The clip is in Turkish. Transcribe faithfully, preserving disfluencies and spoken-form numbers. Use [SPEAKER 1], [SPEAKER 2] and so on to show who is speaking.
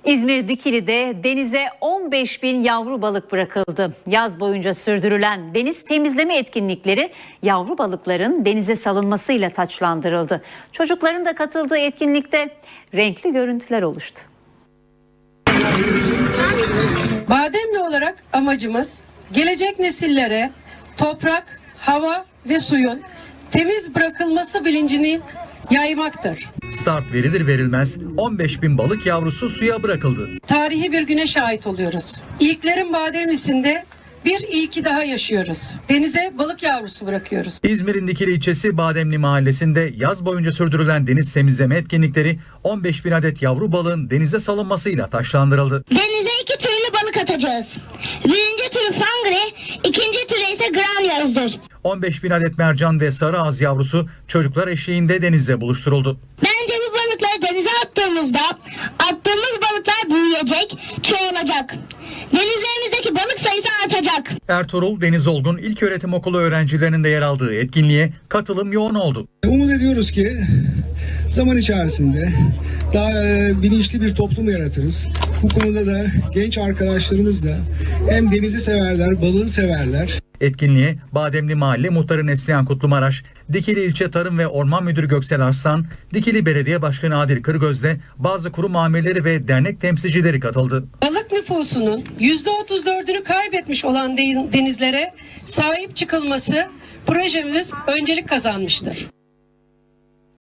[SPEAKER 1] İzmir Dikili'de denize on beş bin yavru balık bırakıldı. Yaz boyunca sürdürülen deniz temizleme etkinlikleri yavru balıkların denize salınmasıyla taçlandırıldı. Çocukların da katıldığı etkinlikte renkli görüntüler oluştu.
[SPEAKER 2] Bademli olarak amacımız gelecek nesillere toprak, hava ve suyun temiz bırakılması bilincini yaymaktır.
[SPEAKER 3] Start verilir verilmez on beş bin balık yavrusu suya bırakıldı.
[SPEAKER 2] Tarihi bir güne şahit oluyoruz. İlklerin Bademlisi'nde bir ilki daha yaşıyoruz. Denize balık yavrusu bırakıyoruz.
[SPEAKER 3] İzmir'in Dikili ilçesi Bademli mahallesinde yaz boyunca sürdürülen deniz temizleme etkinlikleri on beş bin adet yavru balığın denize salınmasıyla taşlandırıldı.
[SPEAKER 4] Denize iki türlü balık atacağız. Birinci türü fangre, ikinci türü ise granyozdur.
[SPEAKER 3] on beş bin adet mercan ve sarı ağız yavrusu çocuklar eşliğinde denizde buluşturuldu.
[SPEAKER 4] Bence bu balıkları denize attığımızda attığımız balıklar büyüyecek, çoğalacak. Denizlerimizdeki balık sayısı artacak.
[SPEAKER 3] Ertuğrul Deniz Olgun İlköğretim Okulu öğrencilerinin de yer aldığı etkinliğe katılım yoğun oldu.
[SPEAKER 5] Umut ediyoruz ki zaman içerisinde daha bilinçli bir toplum yaratırız. Bu konuda da genç arkadaşlarımız da hem denizi severler, balığı severler.
[SPEAKER 3] Etkinliğe Bademli Mahalle Muhtarı Neslihan Kutlumaraş, Dikili İlçe Tarım ve Orman Müdürü Göksel Arslan, Dikili Belediye Başkanı Adil Kırgöz'de bazı kurum amirleri ve dernek temsilcileri katıldı.
[SPEAKER 2] Balık nüfusunun yüzde otuz dördünü kaybetmiş olan denizlere sahip çıkılması projemiz öncelik kazanmıştır.